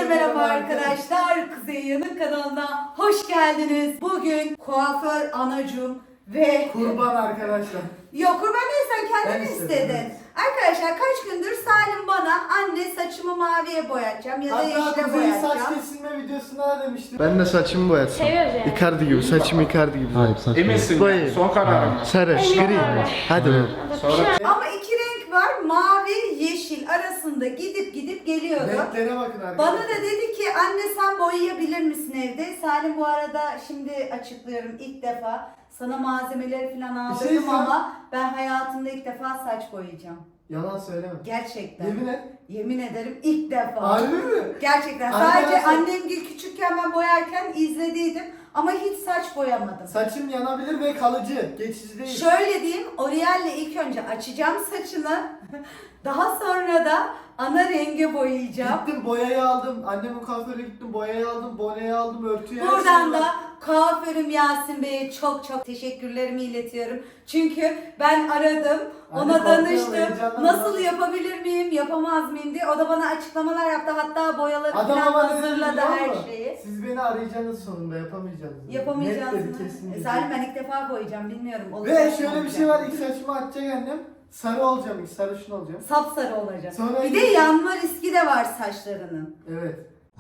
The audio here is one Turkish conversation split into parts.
Herkese merhaba arkadaşlar. Kuzey Yanık kanalına hoş geldiniz. Bugün kuaför anacığım ve... Kurban arkadaşlar. Yok kurban değil, sen kendin Ben istedim, istedin. evet. Arkadaşlar kaç gündür Salim bana anne saçımı maviye boyatacağım ya da Hatta yeşile Kuzey'in saç boyatacağım. kesilme videosunda da demiştim. Ben de saçımı boyatsam. Seviyoruz yani. Icardi gibi, saçım Icardi gibi. Hayır saçma. Eminsin Boyayayım. yani. Son kararım. Sarı, gri. Hadi be. Sonra Ama iki renk var, mavi yeşil arasında gidip geliyordu. Renklere bakın arkadaşlar. Bana da dedi ki anne sen boyayabilir misin evde? Salim bu arada şimdi açıklıyorum ilk defa. Sana malzemeleri falan aldırdım diyeceğim. ama ben hayatımda ilk defa saç boyayacağım. Yalan söyleme. Gerçekten. Yemin et. Yemin ederim ilk defa. Harbi mi? Gerçekten. Arkadaşlar- Sadece annem gibi küçükken ben boyarken izlediydim ama hiç saç boyamadım. Saçım yanabilir ve kalıcı. Geçici değil. Şöyle diyeyim, L'Oreal'le ilk önce açacağım saçını. Daha sonra da ana renge boyayacağım. Gittim boyayı aldım. Annemin kuaföre gittim boyayı aldım. Boneyi aldım. Örtüyü her Buradan şeyi da aldım. kuaförüm Yasin Bey'e çok teşekkürlerimi iletiyorum. Çünkü ben aradım, Anne ona korkuyorum, danıştım. heyecanlandım. Nasıl yapabilir miyim, yapamaz mıyım diye. O da bana açıklamalar yaptı. Hatta boyaları Adam falan ama ne dedi hazırladı biliyor her musun? şeyi. Siz beni arayacaksınız sonunda yapamayacaksınız. Yapamayacağız Net mı? dedi kesin. dedi. Salim ben ilk defa boyayacağım, bilmiyorum. Ve olacak mı, şöyle bir olmayacak şey mı? var. İlk saçımı atacak annem. Sarı olacağım. İlk sarışın olacağım. Sapsarı olacak. Sonra Bir de yanma riski de var saçlarının. Evet.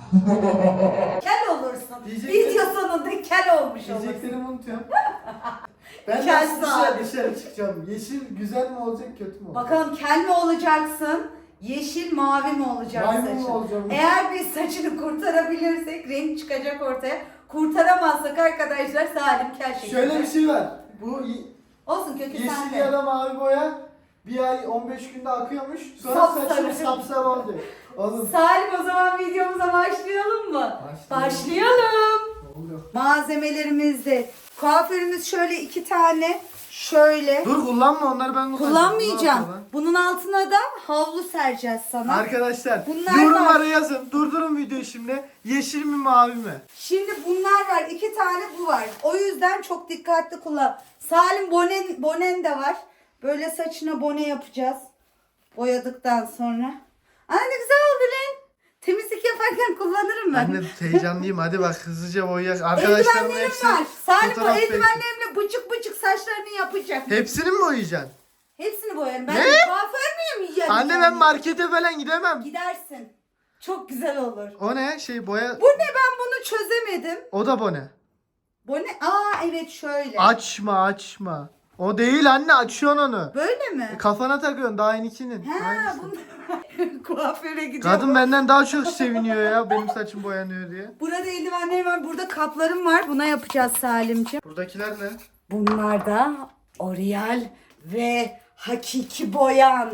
Kel olursun. Diyecektim. Video sonunda kel olmuş olursun. Diyeceklerimi unutuyorum. Ben Kel nasıl saat. dışarı çıkacağım? Yeşil güzel mi olacak kötü mü olacak? Bakalım kel mi olacaksın? Yeşil mavi mi olacak Maymun saçın? mu olacağım? Eğer biz saçını kurtarabilirsek renk çıkacak ortaya. Kurtaramazsak arkadaşlar Salim kel şekilde. Şöyle bir şey var. Bu Olsun kökü yeşil sende. ya da mavi boya bir ay 15 günde akıyormuş. Sonra Sapsarı. saçım sapsarı olacak. Oğlum. Salim o zaman videomuza başlayalım mı? Başlayalım. Ne oluyor? Malzemelerimizde kuaförümüz şöyle 2 tane şöyle. Dur kullanma onları ben Kullanmayacağım. Bunun altına da havlu sereceğiz sana. Arkadaşlar Bunlar yorumlara var. yazın. Durdurun videoyu şimdi. Yeşil mi mavi mi? Şimdi bunlar var. 2 tane bu var. O yüzden çok dikkatli kullan. Salim bonen de var. Böyle saçına bone yapacağız. Boyadıktan sonra. Ay ne güzel oldu lan. Temizlik yaparken kullanırım ben. Anne heyecanlıyım. Hadi bak hızlıca boyayacağız. Eldivenlerim var. Salim bu fotoğraf eldivenlerimle bıcık saçlarını yapacak. Hepsini mi boyayacaksın? Hepsini boyarım. Ben Ne? kuaför müyüm ya? Anne ben markete falan gidemem. Gidersin. Çok güzel olur. O ne? Şey boya... Bu ne, ben bunu çözemedim. O da bone. Bu ne? Aa evet şöyle. Açma. O değil anne, açıyorsun onu. Böyle mi? Kafana takıyorsun daha yenikinin. Ha Hangisi? bunu kuaföre gidiyorum. Kadın benden daha çok seviniyor ya benim saçım boyanıyor diye. Burada eldivenlerim var. Burada kaplarım var. Buna yapacağız Salimciğim. Buradakiler ne? Bunlar da L'Oreal ve hakiki boyan.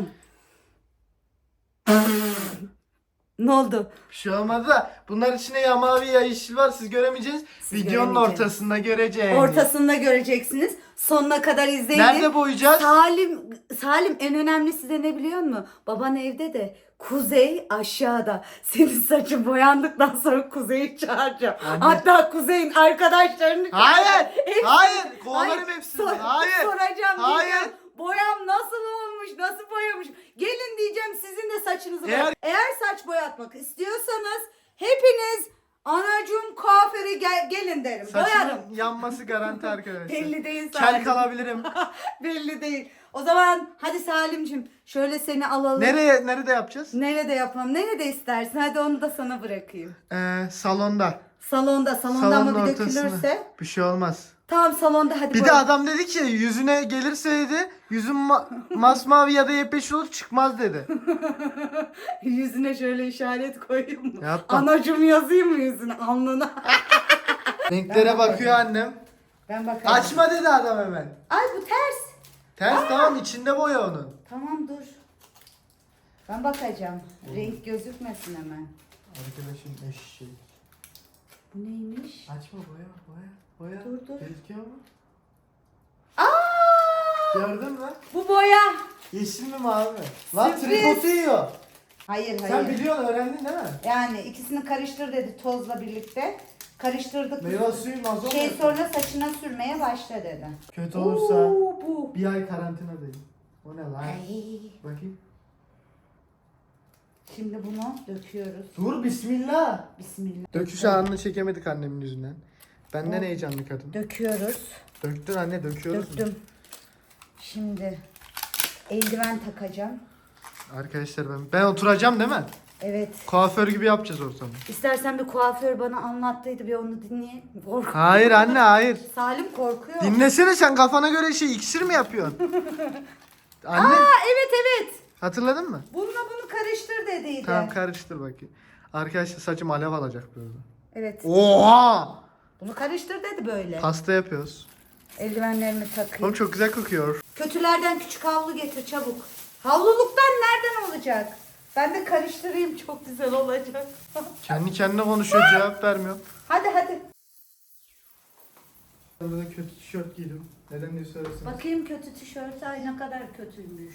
Ne oldu? Bir şey olmadı da bunlar içinde ya mavi ya yeşil var, siz göremeyeceksiniz. Siz Videonun göremeyeceksiniz. ortasında göreceğiz. Ortasında göreceksiniz. Sonuna kadar izleyin. Nerede boyayacağız? Salim en önemlisi de ne biliyor musun? Baban evde de Kuzey aşağıda. Senin saçın boyandıktan sonra Kuzey'i çağıracağım. Anne. Hatta Kuzey'in arkadaşlarını Hayır. Hepsini- Hayır. Kovalarım Hayır, hepsini. sor- Hayır. Soracağım Hayır. diyeceğim. Boyam nasıl olmuş? Nasıl boyamış? Gelin diyeceğim, sizin de saçınızı Eğer- boyayın. Eğer saç boyatmak istiyorsanız hepiniz anacığım kuaföre gelin derim. Boyarım. Saçımın yanması garanti arkadaşlar. Belli değil Kel Salim. kalabilirim. Belli değil. O zaman hadi Salimcim şöyle seni alalım. Nerede yapacağız? Nerede yapalım? Nerede istersin? Hadi onu da sana bırakayım. Salonda. Salonda Salonun ama bir ortasına. dökülürse. Bir şey olmaz. Tamam salonda hadi. Bir de boya. adam dedi ki yüzüne gelirse dedi yüzün masmavi ya da yepyeşil olur çıkmaz dedi. Yüzüne şöyle işaret koyayım mı? Yapma. Anacığım yazayım mı yüzüne? Alnına. Renklere bakıyor annem. Ben bakarım. Açma dedi adam hemen. Ay bu ters. Ters tamam, içinde boya onun. Tamam dur. Ben bakacağım. Renk gözükmesin hemen. Arkadaşım eşek. Bu neymiş? Açma boya. Dur, dur. Gözüküyor mu? Aa! Gördün mü? Bu boya. Yeşil mi mavi mi? Lan Sürpriz. tripodu yiyor. Hayır. Sen biliyorsun, öğrendin değil mi? Yani ikisini karıştır dedi tozla birlikte. Karıştırdık. Meyve suyu mazot. Sonra saçına sürmeye başla dedi. Kötü olursa Bu. bir ay karantinadayım. O ne lan? Ay. Bakayım. Şimdi bunu döküyoruz. Dur bismillah. Bismillah. Döküş anını çekemedik annemin yüzünden. Benden Oh. heyecanlı kadın. Döküyoruz. Döktün anne, döküyoruz. Döktüm. Şimdi eldiven takacağım. Arkadaşlar ben oturacağım değil mi? Evet. Kuaför gibi yapacağız ortamı. İstersen bir kuaför bana anlattıydı, bir onu dinleyelim. Hayır anne, hayır. Salim korkuyor. Dinlesene, sen kafana göre iksir mi yapıyorsun? Anne, Evet. hatırladın mı? Bununla bunu karıştır dediydi. Tamam, karıştır bakayım. Arkadaşlar saçım alev alacak böyle. Evet. Oha! Bunu karıştır dedi böyle. Pasta yapıyoruz. Eldivenlerimi takayım. Oğlum çok güzel kokuyor. Kötülerden küçük havlu getir çabuk. Havluluktan nereden olacak? Ben de karıştırayım, çok güzel olacak. Kendi kendine konuşuyor, cevap vermiyor. hadi. Burada kötü tişört giydim. Neden diye sorarsanız. Bakayım kötü tişört, ay ne kadar kötüymüş.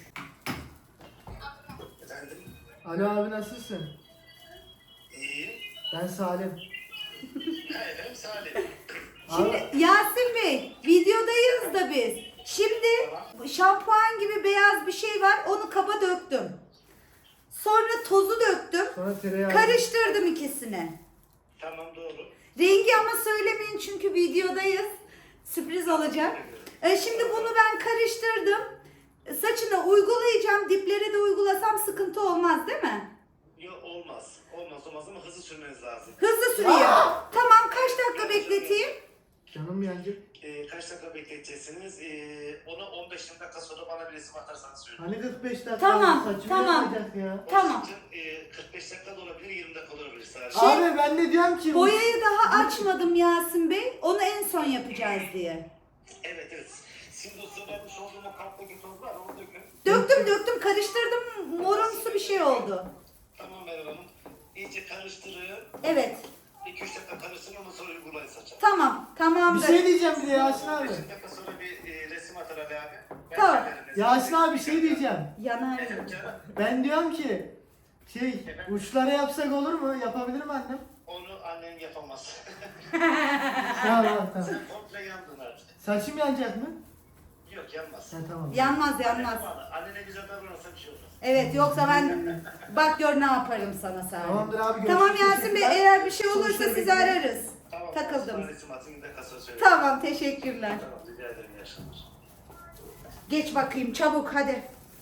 Alo abi, nasılsın? İyiyim. Ben Salim. Efendim Salih. Şimdi Yasin Bey, videodayız da biz. Şimdi şampuan gibi beyaz bir şey var, onu kaba döktüm. Sonra tozu döktüm. Sonra tereyağı. Karıştırdım ikisini. Tamam doğru. Rengi ama söylemeyin çünkü videodayız. Sürpriz olacak. Şimdi bunu ben karıştırdım. Saçına uygulayacağım. Diplere de uygulasam sıkıntı olmaz değil mi? Yok olmaz. Olmaz ama hızlı sürmeniz lazım. Hızlı süreyim. Tamam, kaç dakika bekleteyim? Canım yancı. Kaç dakika bekleteceksiniz? Onu 15 dakika sonra bana bir resim atarsanız söyleyeyim. Hani 45 dakika Tamam, saçımı tamam. yapacak ya. Tamam. 45 dakika da olabilir, 20 dakika da olabilir sadece. Abi ben de diyorum ki. Boyayı daha açmadım Yasin Bey. Onu en son yapacağız diye. Evet. Şimdi o söylemiş olduğum o kaptaki toz var, onu dökün. Döktüm karıştırdım. Morumsu bir şey oldu. Tamam Meral Hanım. İyice karıştırın. Evet. 2-3 dakika karıştırın, ondan sonra uygulayın saça. Tamam. Bir Tamamdır. şey diyeceğim bir de Yasin abi. 5 dakika sonra bir resim atar Ali abi. Ben Tamam. söylerim resim. Yasin abi bir şey diyeceğim. Yanar. Efendim canım, Ben diyorum ki uçlara yapsak olur mu? Yapabilir mi annem? onu annen yapamaz. Tamam. Sen komple yandın artık. Saçım yanacak mı? Yok yanmaz. Ha tamam. Yanmaz. Annene güzel davranırsa bir şey olmaz. Evet, yoksa ben bak gör ne yaparım sana Salim. Tamamdır abi, Tamam görüşürüz. Yasin Bey, eğer bir şey olursa Sonuçları sizi bekliyorum. ararız. Tamam. Takıldım. Sonra resim atın, bir dakika sonra söyleyeyim. Tamam, teşekkürler. Tamam, rica ederim, iyi akşamlar. Geç bakayım çabuk hadi.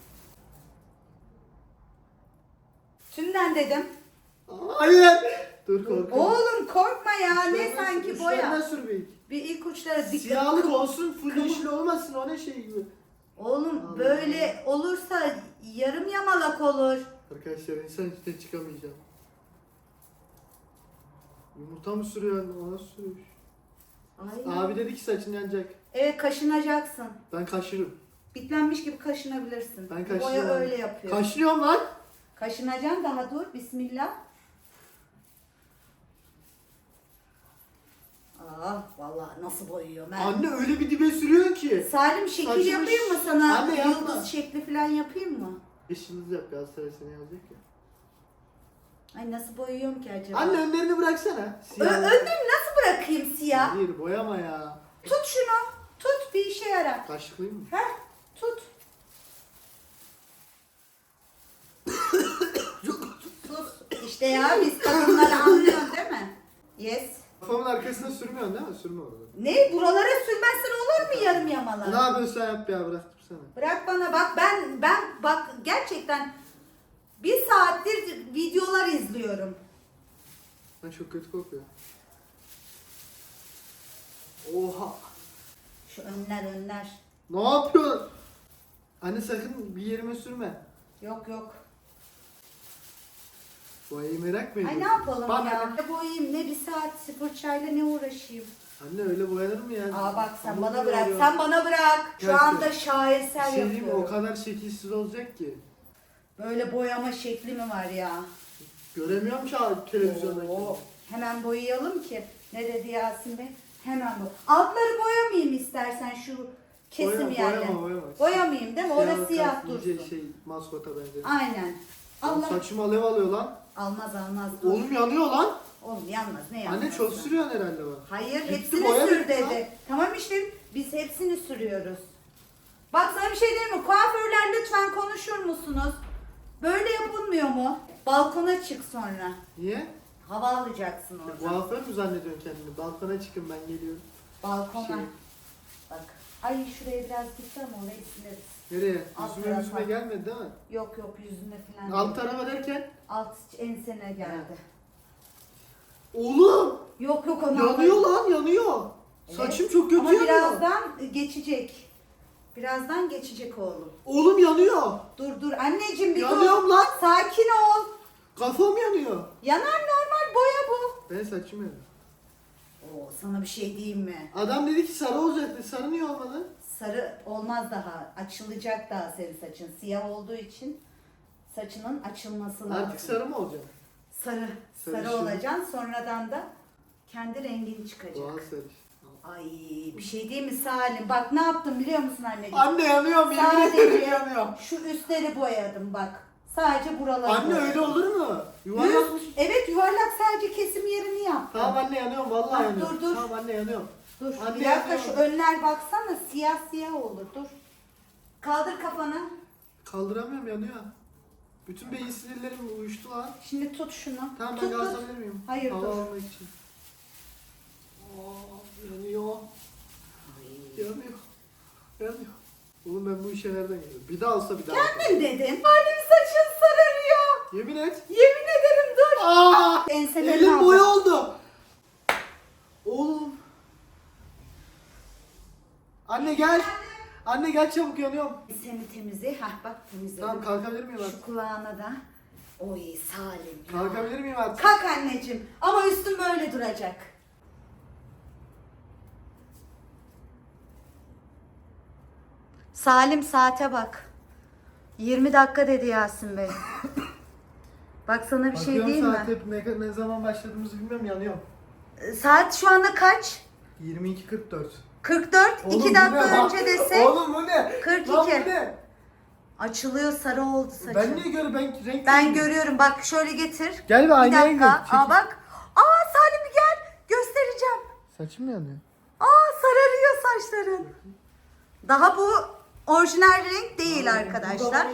Tümden dedim. Hayır. Dur korkuyorum. Oğlum korkma ya, ne sanki boya. Uçlarına sür bir. Bir ilk uçlara dikkat. Siyahlık olsun, full yeşil olmasın, o ne şey gibi. Oğlum böyle olursa yarım yamalak olur. Arkadaşlar insan içine çıkamayacağım. Yumurta mı sürüyor? Ona sürüyor. Ay. Abi dedi ki saçın yanacak. Evet, kaşınacaksın. Ben kaşırım. Bitlenmiş gibi kaşınabilirsin. Ben Boya kaşıyorum. öyle yapıyor. Kaşınıyorum lan. Kaşınacaksın, daha dur. Bismillah. Ah vallahi nasıl boyuyor ben. Anne öyle bir dibe sürüyorsun ki. Salim şekil Saçımı yapayım mı sana? Anne, yapma. Yıldız şekli falan yapayım mı? Yeşiliniz yap, Galatasaray seni yazacak ya. Ay nasıl boyuyorum ki acaba? Anne önlerini bıraksana. Önlüğümü nasıl bırakayım siyah? Hayır, boyama ya. Tut şunu. Tut, bir işe yarar. Kaşıklayayım mı? Heh, tut. Tut. İşte ya, biz kadınları anlıyorsun değil mi? Yes. Kafamın arkasına sürmüyorsun değil mi? Sürme orada. Ne? Buralara sürmezsen olur mu yarım Ne yamalar? yapıyorsun sen, yap ya, bıraktım sana. Bırak bana, bak ben bak gerçekten bir saattir videolar izliyorum. Ben çok kötü kokuyor. Oha. Şu önler. Ne yapıyorsun? Anne sakın bir yerime sürme. Yok. Boyayı merak mı Ay ediyorsun? ne yapalım Bak ya? anne. Ne boyayayım, ne bir saat fırçayla ne uğraşayım? Anne öyle boyanır mı ya? Aa bak sen Hamur bana gibi bırak, oluyor. sen bana bırak. Şu Gerçekten. anda Bir şaheser şey diyeyim mi? O yapıyorum. kadar şekilsiz olacak ki. Böyle boyama şekli mi var ya? Göremiyorum ki abi televizyonda. Oo, hemen boyayalım ki. Ne dedi Yasin Bey? Hemen bu. Altları boyamayayım istersen şu kesim yerleri. Boyama. Boyamayayım değil mi? Orası siyah kalsın, dursun. iyice şey maskota benziyor. Aynen. Allah. Saçım alev alıyor lan. Almaz. Dur. Oğlum yanıyor lan. Oğlum yanmaz, ne yanmaz? Anne çok sürüyorsun herhalde bak. Hayır, Bitti, hepsini boya sür bitti dedi. lan. Tamam işte, biz hepsini sürüyoruz. Bak sana bir şey diyeyim mi? Kuaförler lütfen konuşur musunuz? Böyle yapılmıyor mu? Balkona çık sonra. Niye? Hava alacaksın orada. Kuaför mü zannediyorsun kendini? Balkona çıkın ben geliyorum. Balkona. Şey. Bak. Ay şuraya biraz gitti ama orayı sileriz. Nereye? Alt Yüzüme tarafa. gelmedi değil mi? Yok yok yüzüne falan. Alt değil. tarafa derken? Alt ensene geldi. Oğlum! Yok yok onu Yanıyor alırım. lan yanıyor. Evet. Saçım çok kötü Ama yanıyor. birazdan geçecek. Birazdan geçecek oğlum. Oğlum yanıyor. Dur anneciğim bir Yanıyorum dur. lan. Sakin ol. Kafam yanıyor. Yanar normal boya bu. Ben saçım yanıyor. Oo sana bir şey diyeyim mi? Adam dedi ki sarı olacaktı. Sarı niye olmadı? Sarı olmaz daha. Açılacak daha senin saçın. Siyah olduğu için saçının açılması lazım. Artık sarı mı olacak? Sarı. Sarı Sarışın. olacaksın. Sonradan da kendi rengin çıkacak. Doğal sarı. Ay bir şey değil mi Salim? Bak ne yaptım biliyor musun anneciğim? Anne yanıyorum. Yemin Sadece ederim yanıyorum. şu üstleri boyadım bak. Sadece buraları Anne boyadım. öyle olur mu? Yuvarlakmış. Evet yuvarlak sadece kesim yerini yaptım. Tamam anne yanıyorum. Vallahi Ah, yanıyorum. dur. Tamam anne yanıyorum. Dur Anne, bir dakika yanıyorum. şu önler baksana siyah siyah olur dur. Kaldır kafanı. Kaldıramıyorum yanıyor. Bütün beyin sinirlerim uyuştu lan. Şimdi tut şunu. Tamam ben tut, gaz tut. alabilir miyim? Hayır, Hava dur. almak için. Yanıyor. Yanıyor. Yanıyor. Oğlum ben bu işe nereden geliyorum? Bir daha olsa bir daha. Kendim dedim. Halim saçın sararıyor. Yemin et. Yemin ederim dur. Aa! Enselerini Elim aldım. boya oldu. Oğlum. Anne gel. Anne gel çabuk yanıyorum. Seni temizle. Hah bak temizledim. Tamam kalkabilir miyim Şu artık? kulağına da. Oy Salim ya. Kalkabilir miyim artık? Kalk anneciğim. Ama üstün böyle duracak. Salim saate bak. 20 dakika dedi Yasin Bey. Bak sana bir şey Bakıyorum diyeyim mi? saat hep ne zaman başladığımızı bilmiyorum yanıyorum. Saat şu anda kaç? 22.44. 44. Oğlum 2 bu dakika ne? önce desek Oğlum bu ne? 42. Lan bu ne? açılıyor, sarı oldu saçım. Ben niye görüyorum? Ben renk Ben görüyorum. Bak şöyle getir. Gel bir Bir aynaya gir. dakika. Çekil. Aa bak. Aa Salim bir gel. Göstereceğim. Saçım yanıyor. Aa sararıyor saçların. Daha bu orijinal renk değil arkadaşlar.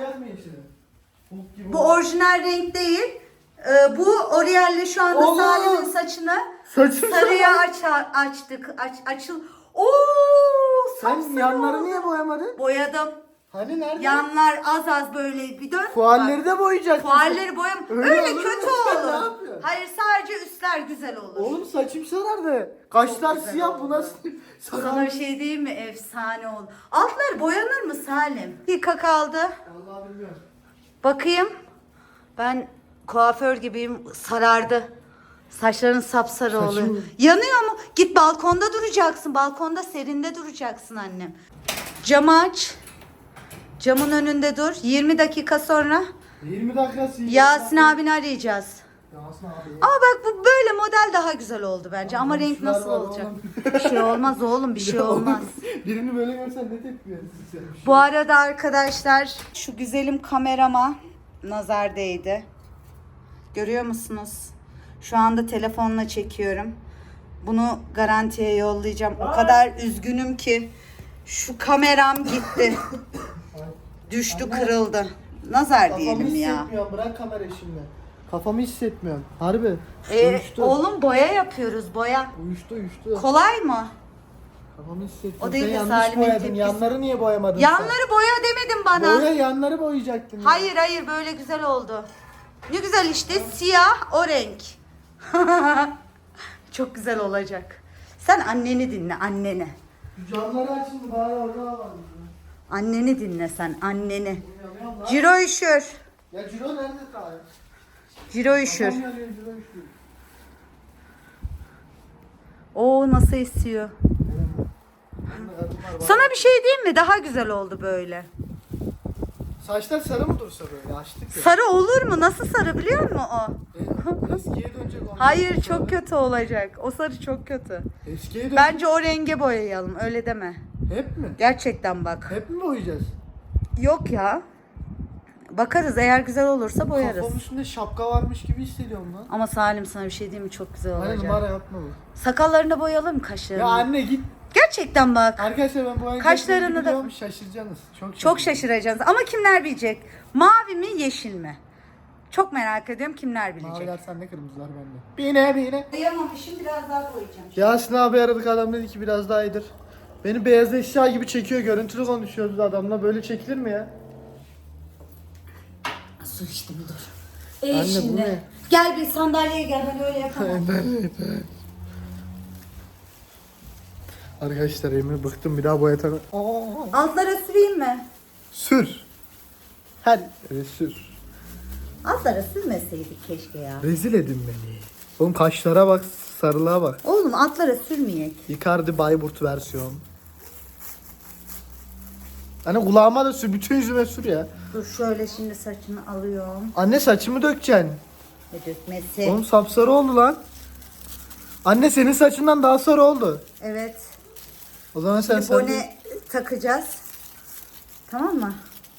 Bu orijinal renk değil. Bu Oriel'le şu anda Allah! Salim'in saçını Saçım sarıya açtık. Açıl. Oo! Sen sapsarı yanları oldu. niye boyamadın? Boyadım. Hani nerede? Yanlar az az böyle bir dön. Fuarları da boyayacaksın. Fuarları boyam. Öyle Öyle olur mu? kötü Sen ne olur. yapıyorsun? Hayır sadece üstler güzel olur. Oğlum saçım sarardı. Kaşlar güzel siyah oldu. bu nasıl Sana sarardı? bir şey diyeyim mi? Efsane oldu. Altlar boyanır mı Salim? Dakika kaldı. Vallahi bilmiyorum. Bakayım. Ben kuaför gibiyim. Sarardı. Saçların sapsarı Saçım- oluyor. Yanıyor mu? Git balkonda duracaksın. Balkonda serinde duracaksın annem. Camı aç. Camın önünde dur. 20 dakika sonra 20 dakikası. Yasin abini arayacağız. Yasin abi. Ama bak bu böyle model daha güzel oldu bence. Ama Komşular renk nasıl var olacak? oğlum. Bir şey olmaz oğlum, bir şey olmaz. Birini böyle görsen ne tepki verirsin sen? Bu arada arkadaşlar şu güzelim kamerama nazar değdi. Görüyor musunuz? Şu anda telefonla çekiyorum. Bunu garantiye yollayacağım. O kadar üzgünüm ki şu kameram gitti. Düştü, kırıldı. Nazar Kafamı diyelim ya. hissetmiyorum. Bırak kamerayı şimdi. Kafamı hissetmiyorum. Harbi. Uyuştu. Oğlum boya yapıyoruz, boya. Uyuştu. Kolay mı? Kafamı hissetmiyorum. O değil Sen de yanlış Salim'in boyadın. tepkisi. Yanları niye boyamadın Yanları boya demedin sen? bana. Boya yanları boyayacaktın. ya. Hayır hayır böyle güzel oldu. Ne güzel işte siyah o renk. Çok güzel olacak. Sen anneni dinle anneni. Şu camları aç şimdi bari orada alalım. Anneni dinle sen anneni. Yanıyorum lan. Ciro üşür. Ya Ciro nerede ta? Ciro üşür. Kafam yanıyor, Ciro üşüyor. Oo nasıl esiyor. Yanında kadınlar var. Sana bir şey diyeyim mi? Daha güzel oldu böyle. Saçlar sarı mı dursa böyle? Açtık ya. Sarı olur mu? Nasıl sarı biliyor musun o? Eskiye dönecek onlar. Hayır çok kötü olacak. O sarı çok kötü. Eskiye dönecek. Bence o renge boyayalım. Öyle deme. Hep mi? Gerçekten bak. Hep mi boyayacağız? Yok ya. Bakarız eğer güzel olursa boyarız. Kafamın üstünde şapka varmış gibi hissediyorum lan. Ama Salim sana bir şey diyeyim mi? Çok güzel Hani olacak. numara yapma bu. Sakallarını boyayalım kaşlarını. Ya anne git. Gerçekten bak. Arkadaşlar ben boyayacağım. Kaşlarını da- Şaşıracaksınız. Çok Çok şaşıracaksınız. Ama kimler bilecek? Mavi mi yeşil mi? Çok merak ediyorum kimler bilecek. Maviler sende, kırmızılar bende. Bine. Boyamamışım, biraz daha boyayacağım. Yasin abi aradık, adam dedi ki biraz daha iyidir. Beni beyaz eşya gibi çekiyor, görüntülü konuşuyoruz adamla, böyle çekilir mi ya? Su içtim dur. Anne, bu Şimdi. ne? Gel bir sandalyeye gel, ben öyle yapamam. Arkadaşlar Emre bıktım, bir daha boyatamam. Altlara süreyim mi? Sür. Her yere sür. Altlara sürmeseydik keşke ya. Rezil edin beni. Oğlum kaşlara bak, sarılığa bak. Oğlum altlara sürmeyek. Icardi Bayburt versiyon. Anne kulağıma da sür, bütün yüzüme sür ya. Dur şöyle şimdi saçını alıyorum. Anne saçımı dökeceksin. Ve dökmesi. Oğlum sapsarı oldu lan. Anne senin saçından daha sarı oldu. Evet. O zaman sen Şimdi bone takacağız. Tamam mı?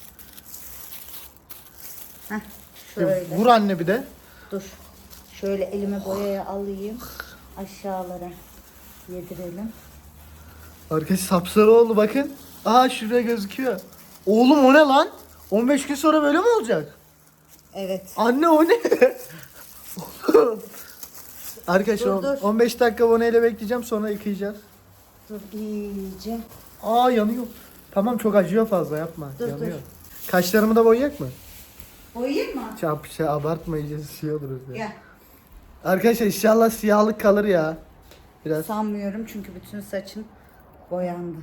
Heh, şöyle. Vur anne bir de. Dur. Şöyle elime boyaya alayım. Aşağılara yedirelim. Arkadaş sapsarı oldu bakın. Aha şuraya gözüküyor. Oğlum o ne lan? 15 gün sonra böyle mi olacak? Evet. Anne o ne? Arkadaşlar Dur, dur. 15 dakika boneyle bekleyeceğim, sonra yıkayacağız. Dur iyice. Aa yanıyor. Tamam çok acıyor, fazla yapma. Dur, yanıyor. dur. Kaşlarımı da boyayak mı? Boyayayım mı? Abartma, iyice siyah oluruz ya. Gel. Arkadaşlar inşallah siyahlık kalır ya. Biraz. Sanmıyorum çünkü bütün saçın boyandı.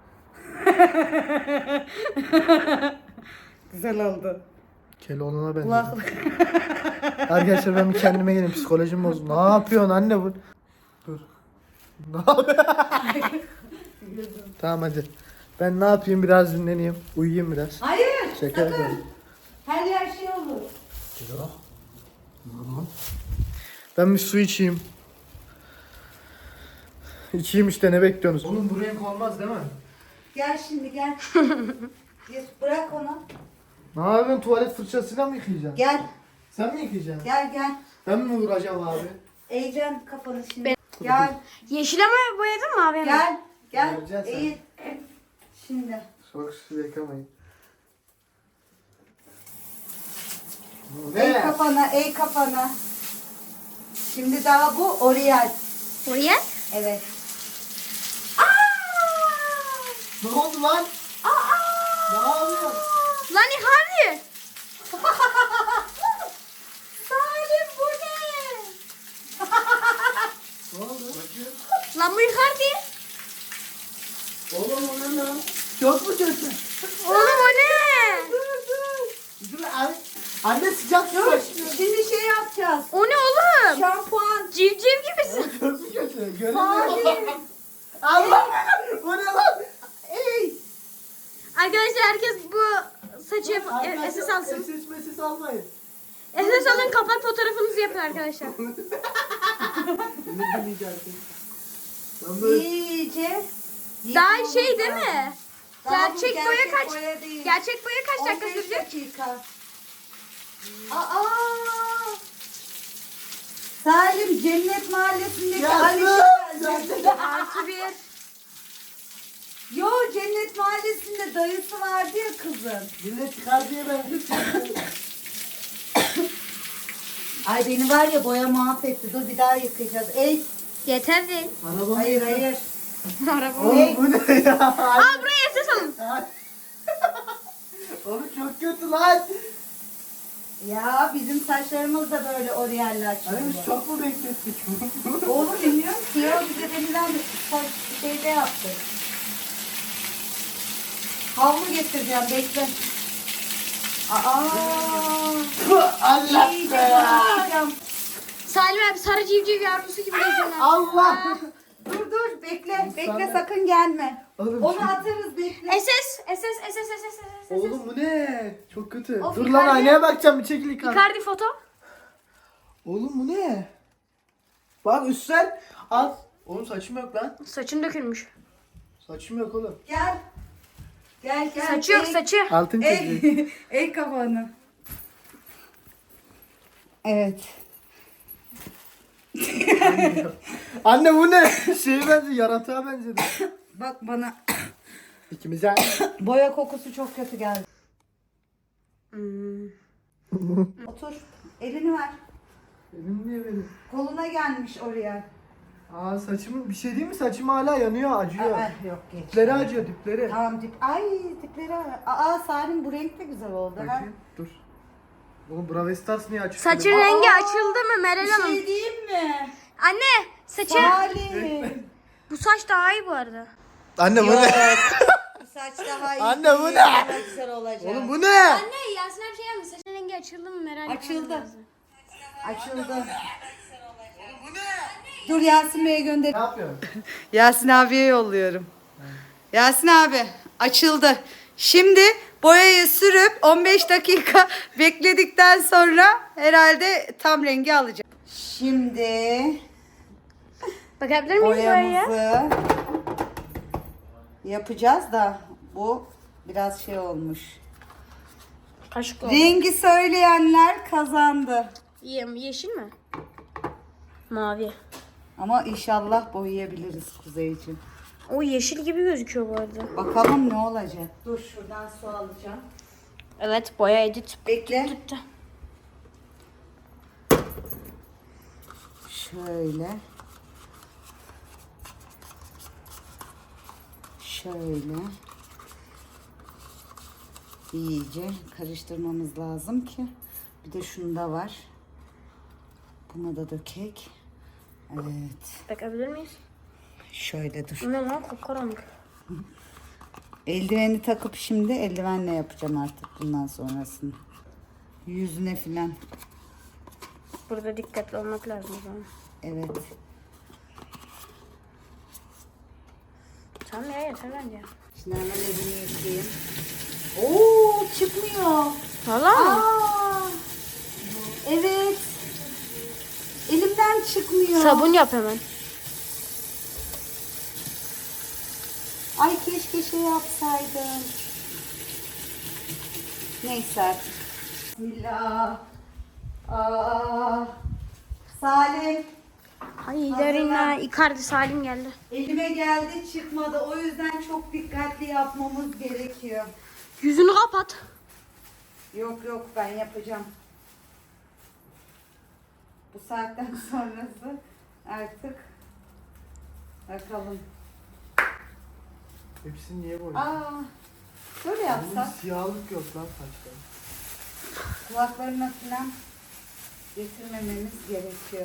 Güzel oldu. Keloğlan'a benziyor. Kulaklık. Arkadaşlar ben bir kendime geleyim, psikolojim bozuldu. Ne yapıyorsun anne bu? Dur. Ne yapıyorsun? Tamam hadi. Ben ne yapayım, biraz dinleneyim. Uyuyayım biraz. Hayır. Şaka sakın. yapıyorum. Her yer şey olur. Ben bir su içeyim. İçeyim işte, ne bekliyorsunuz? Oğlum bu renk olmaz değil mi? Gel şimdi gel. Gir, bırak onu. Ne yapıyorsun, tuvalet fırçasıyla mı yıkayacaksın? Gel. Sen mi yıkayacaksın? Gel gel. Ben mi vuracağım abi? Eğeceksin kafanı şimdi. Gel. Yeşile mi boyadın mı abi? Gel. Gel. Göreceksin sen. Eğil. Şimdi. Çok su yıkamayın. Eğ kafana, eğ kafana. Şimdi daha bu Oriel. Oraya? Evet. Ne oldu lan? Ne yapıyorsun? Lan hadi. Salim bu ne? Ne oldu? Bakayım. Lan bu Icardi. Oğlum o ne lan? Çok mu kötü? Oğlum o ne? Dur abi. Anne sıcak su Dur. başlıyor. Şimdi şey yapacağız. O ne oğlum? Şampuan. Civciv gibisin. Çok mu kötü? Göremiyorum. Salim. Allah! Bu ne lan? Ey. Arkadaşlar herkes bu saçı SS alsın. Mesis almayın. SS alın, kapat fotoğrafınızı yapın arkadaşlar. Beni dinleyeceksin. Ben böyle... İyice. Daha yıkamamız şey değil lazım. mi? Daha bu Gerçek boya kaç? boya değil. Gerçek boya kaç dakika 15 sürecek? dakika. Aa! Salim Cennet Mahallesi'ndeki Ali geldi. Artı bir. Yo Cennet Mahallesi'nde dayısı vardı ya kızın. Millet çıkar diye ben... Ay beni var ya boya mahvetti. Dur bir daha yıkayacağız. Ey. Yeter değil. Arabam... Hayır hayır. Araba. Oğlum bu ne ya? Al buraya SS alın. Oğlum çok kötü lan. Ya bizim saçlarımız da böyle Oriel'le açıldı. Hani biz çok mu beklettik? Oğlum bilmiyorum ki ya bize denilen bir şeyde yaptık. Havlu getireceğim bekle. Aa. Allah İyice be ya. yıkayacağım. Salim abi sarı civciv yavrusu gibi geziyorlar. Allah. Dur dur bekle. Bekle sakın gelme. Oğlum, Onu çok- atarız bekle. SS. Oğlum bu ne? Çok kötü. Of, Dur Icardi- lan aynaya bakacağım, bir çekil Icardi. Icardi foto. Oğlum bu ne? Bak üstten al. Oğlum saçım yok lan. Saçın dökülmüş. Saçım yok oğlum. Gel. Gel gel. Saçı yok Ey- saçı. Altın çocuğu. Ey, ey kafanı. Evet. Anne bu ne? Şeye benziyor, yaratığa benzedi. Bak bana İkimize. boya kokusu çok kötü geldi. Otur. Elini ver. Elim niye benim? Koluna gelmiş oraya. Aa saçımın bir şey değil mi? Saçım hala yanıyor, acıyor. Yok geç. Dipleri acıyor, dipleri. Tamam dip. Ay dipleri. Aa Salim bu renk de güzel oldu. Ha? Bakayım, dur. Oğlum Brawl Stars niye açık? Saçın böyle? rengi açıldı mı Meral Bir Hanım? şey diyeyim mi? Anne saçı. Salim. Bu saç daha iyi bu arada. Anne bu Yok. ne? Bu saç daha iyi. Anne, bu değil, ne? daha güzel olacak. Oğlum bu ne? Anne Yasin abi şey yapmış. Saçın rengi açıldı mı Meral? Açıldı. Açıldı. Dur Yasin Bey'e gönder. Ne yapıyorsun? Yasin abiye yolluyorum. Yasin abi açıldı. Şimdi boyayı sürüp 15 dakika bekledikten sonra herhalde tam rengi alacak. Şimdi Bakabilir miyiz boyaya? boyamızı yapacağız da bu biraz şey olmuş. Kaşık oldu. Rengi söyleyenler kazandı. Yeşil mi? Mavi. Ama inşallah boyayabiliriz Kuzeyciğim. O yeşil gibi gözüküyor bu arada. Bakalım ne olacak. Dur şuradan su alacağım. Evet boya edit. Bekle. Tuttu. Şöyle. Şöyle. İyice karıştırmamız lazım ki. Bir de şunda var. Buna da dökek. Evet. Bakabilir miyiz? Şöyle dur. Ne lan kapkaranlık. Eldiveni takıp şimdi eldivenle yapacağım artık bundan sonrasını. Yüzüne filan. Burada dikkatli olmak lazım o zaman. Evet. Tamam ya yeter bence. Şimdi hemen elini yıkayayım. Oo çıkmıyor. Valla mı? Aa, evet. Elimden çıkmıyor. Sabun yap hemen. Ay keşke şey yapsaydım. Neyse artık. Bismillah. Aa, Salim. Haydarina Icardi Salim geldi. Elime geldi çıkmadı. O yüzden çok dikkatli yapmamız gerekiyor. Yüzünü kapat. Yok yok ben yapacağım. Bu saatten sonrası artık bakalım. Hepsini niye boyuyorsun? Aa, şöyle yapsak Oğlum siyahlık yok lan saçta. kulaklarına falan getirmememiz gerekiyor.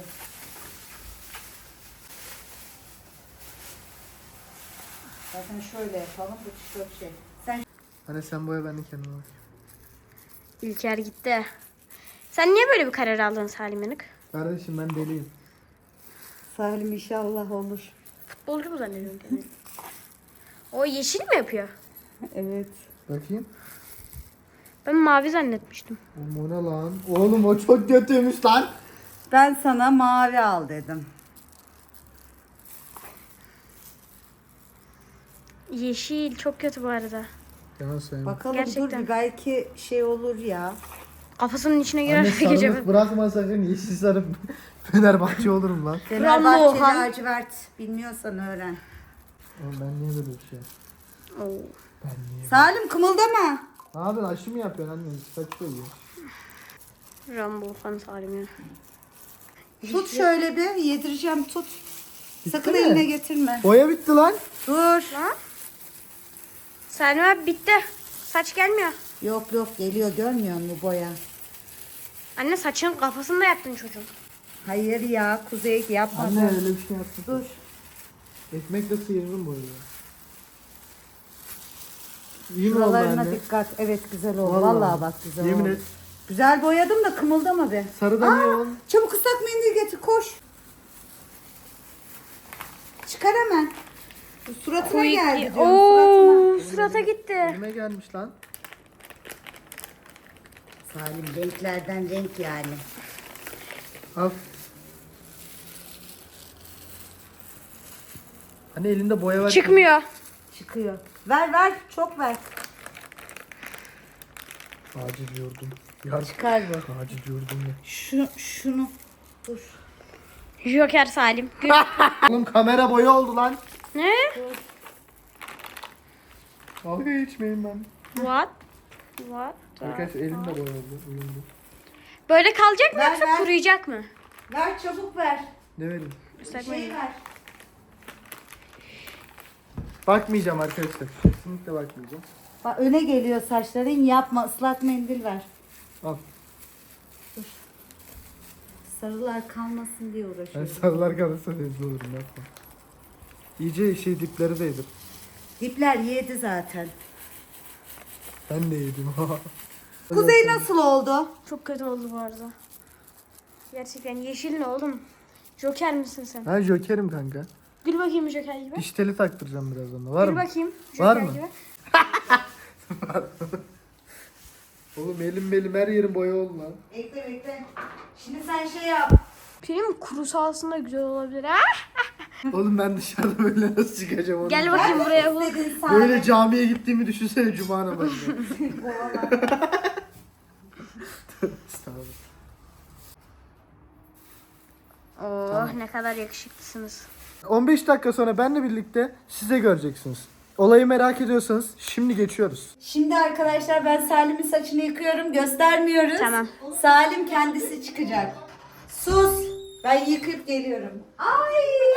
Zaten şöyle yapalım bu tişört şey. Sen Hani sen boya ben de kendime bakayım. İlker gitti. Sen niye böyle bir karar aldın Salim Yanık? Kardeşim ben deliyim. Salim inşallah olur. Futbolcu mu zannediyorsun kendini? O yeşil mi yapıyor? Evet. Bakayım. Ben mavi zannetmiştim. Oğlum o ne lan? Oğlum o çok kötüymüş lan. Ben sana mavi al dedim. Yeşil çok kötü bu arada. Yalan söyleme. Bakalım Gerçekten. dur bir belki şey olur ya. Kafasının içine Anne girer sarılık gece. bırakma sakın. Yeşil sarıp Fenerbahçe olurum lan. Fenerbahçe Ohan. lacivert bilmiyorsan öğren. Oğlum ben niye böyle bir şey? Oo. Ben niye? Salim kımıldama. Ne yapıyorsun? Aşı mı yapıyorsun anne? Saç koyuyor. Rambo fan Salim ya. Tut şöyle bir yedireceğim tut. Sakın mi? eline getirme. Boya bitti lan. Dur. Salim abi bitti. Saç gelmiyor. Yok yok geliyor görmüyor musun bu boya? Anne saçın kafasını da yaptın çocuğun. Hayır ya Kuzey yapma. Anne öyle bir şey yaptın. Dur. Ekmekle sıyırırım boyu. İyi mi oldu Şuralarına anne? dikkat. Evet güzel oldu. Vallahi, bak güzel Yemin oldu. et. Güzel boyadım da kımıldama be. Sarıda niye oğlum? Çabuk ıslak mendil getir koş. Çıkar hemen. Bu suratına geldi diyorum suratına. Oo, surata gitti. Elime gelmiş lan. Salim renklerden renk yani. Al. Anne elinde boya var. Çıkmıyor. Çıkıyor. Ver ver çok ver. Acil yordum. Yar. Çıkar bu. Acil yordum ya. Şunu. Dur. Joker Salim. Oğlum kamera boya oldu lan. Ne? Dalga geçmeyin lan. What? What? Arkadaşlar elimde boya oldu. Uyumlu. Böyle kalacak mı Ver, yoksa ver. kuruyacak mı? Ver çabuk ver. Ne vereyim? Islak Şey mendil. ver. Bakmayacağım arkadaşlar. Kesinlikle bakmayacağım. Bak öne geliyor saçların, yapma, ıslak mendil ver. Al. Sarılar kalmasın diye Ben uğraşıyorum. sarılar kalırsa rezil olurum yapma. İyice dipleri de yedim. Dipler yedi zaten. Ben de yedim. Kuzey nasıl oldu? Çok kötü oldu bu arada. Gerçekten yeşil ne oğlum? Joker misin sen? Ben Joker'im kanka. Gül bakayım Joker gibi. Diş teli taktıracağım birazdan da. Var Gül mı? bakayım Joker Var mı? gibi. Oğlum elim her yerim boya oldu lan. Bekle bekle. Şimdi sen şey yap. Film kuru sahasında güzel olabilir ha? Oğlum ben dışarıda böyle nasıl çıkacağım onu? Gel bakayım buraya bu. İstediğin sahne. Böyle camiye gittiğimi düşünsene cuma namazında. Estağfurullah. Oh ne kadar yakışıklısınız. 15 dakika sonra benle birlikte siz de göreceksiniz. Olayı merak ediyorsanız şimdi geçiyoruz. Şimdi arkadaşlar ben Salim'in saçını yıkıyorum. Göstermiyoruz. Tamam. Salim kendisi çıkacak. Sus. Ben yıkayıp geliyorum. Ay.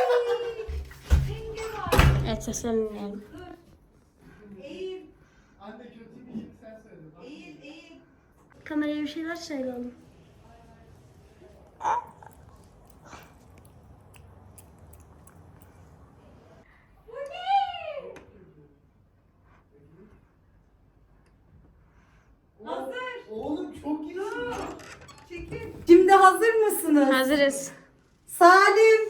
Evet seslerini dinleyelim. Eğil. Anne kötü bir sen söyle. Eğil. Eğil. Kameraya bir şeyler söyle oğlum. Hazır. Oğlum çok iyi. Çekil. Şimdi hazır mısınız? Hazırız. Salim.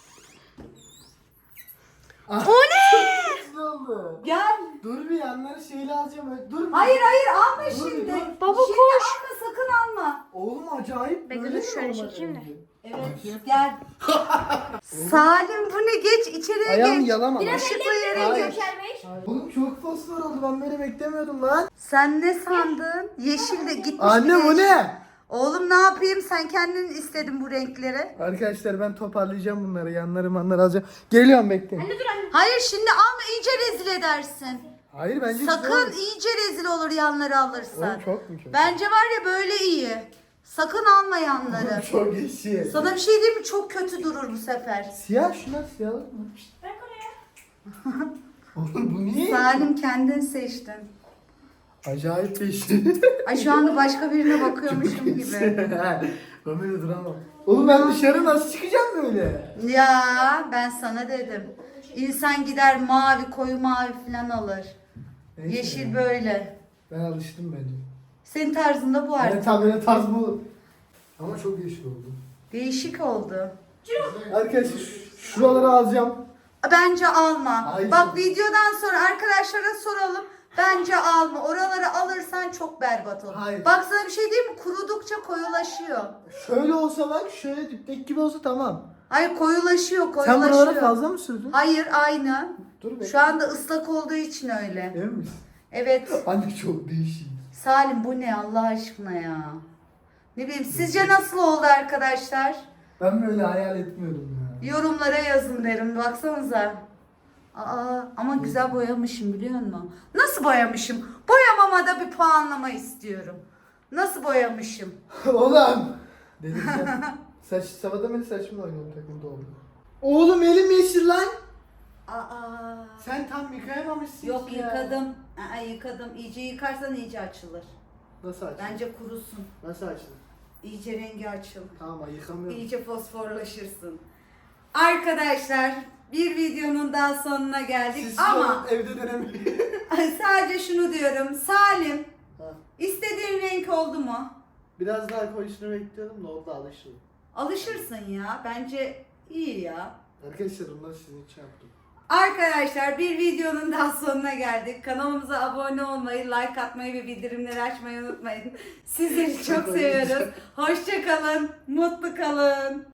O ne? Ne oldu? Gel. Dur bir yanları şeyle alacağım. Dur. Hayır alma Dur, şimdi. dur. Baba, Şimdi koş. alma, sakın alma. Oğlum acayip Bekle, böyle dur, mi şöyle olmalı çekeyim de. önce? Evet gel. Salim bu ne, geç içeriye Ayağım geç. yalama lan. Işıklı yere Hayır. geç. Oğlum çok fosfor oldu, ben böyle beklemiyordum lan. Sen ne sandın? Yeşil de gitmiş. Anne bir bu de- ne? Oğlum ne yapayım, sen kendin istedin bu renkleri. Arkadaşlar ben toparlayacağım bunları, yanları manları alacağım. Geliyorum bekleyin. Hayır şimdi alma, iyice rezil edersin. Hayır bence güzel Sakın, olmuş. iyice rezil olur yanları alırsan. Oğlum çok mu kötü? Bence var ya böyle iyi. Sakın alma yanları. Çok yeşil. Sana bir şey diyeyim mi? Çok kötü durur bu sefer. Siyah şunlar siyahlık mı? Oğlum bu niye? Salim kendin seçtin. Acayip yeşil. Ay şu anda başka birine bakıyormuşum gibi. Ben böyle duramam. Oğlum ben dışarı nasıl çıkacağım böyle? Ya ben sana dedim. İnsan gider mavi, koyu mavi falan alır. Neyse Yeşil ya. böyle. Ben alıştım bence. Senin tarzında bu Yani artık. tam böyle tarz bu olur. Ama çok yeşil oldu. Değişik oldu. Arkadaşlar şuraları alacağım. Bence alma. Hayır. Bak videodan sonra arkadaşlara soralım. Bence alma. Oraları alırsan çok berbat olur. Hayır. Bak sana bir şey diyeyim mi? Kurudukça koyulaşıyor. Şöyle olsa bak, şöyle diptek gibi olsa tamam. Hayır koyulaşıyor, Sen koyulaşıyor. buralara fazla mı sürdün? Hayır aynı. Dur be. Şu anda ıslak olduğu için öyle. Emin misin? Evet. Anne çok değişik. Salim bu ne Allah aşkına ya? Ne bileyim, sizce nasıl oldu arkadaşlar? Ben böyle hayal etmiyordum ya. Yorumlara yazın derim. Baksanıza. Aa, ama güzel boyamışım biliyor musun? Nasıl boyamışım? Boyamama da bir puanlama istiyorum. Nasıl boyamışım? Oğlum. Delireceğim. Sabahtan beri saçımla oynuyorum, takımda oldu. Oğlum elim yeşil lan. Aa. Sen tam yıkayamamışsın Yok ki ya. yıkadım. Yıkadım. İyice yıkarsan iyice açılır. Nasıl açılır? Bence kurusun. Nasıl açılır? İyice rengi açılır. Tamam yıkamıyorum. İyice fosforlaşırsın. Arkadaşlar bir videonun daha sonuna geldik Siz ama evde denemeyin. sadece şunu diyorum. Salim, Ha. istediğin renk oldu mu? Biraz daha koyusunu bekliyordum da oldu, alışıldı. Alışırsın ya. Bence iyi ya. Arkadaşlar bunları sizin için yaptım. Arkadaşlar bir videonun daha sonuna geldik. Kanalımıza abone olmayı, like atmayı ve bildirimleri açmayı unutmayın. Sizleri çok seviyoruz. Hoşça kalın, mutlu kalın.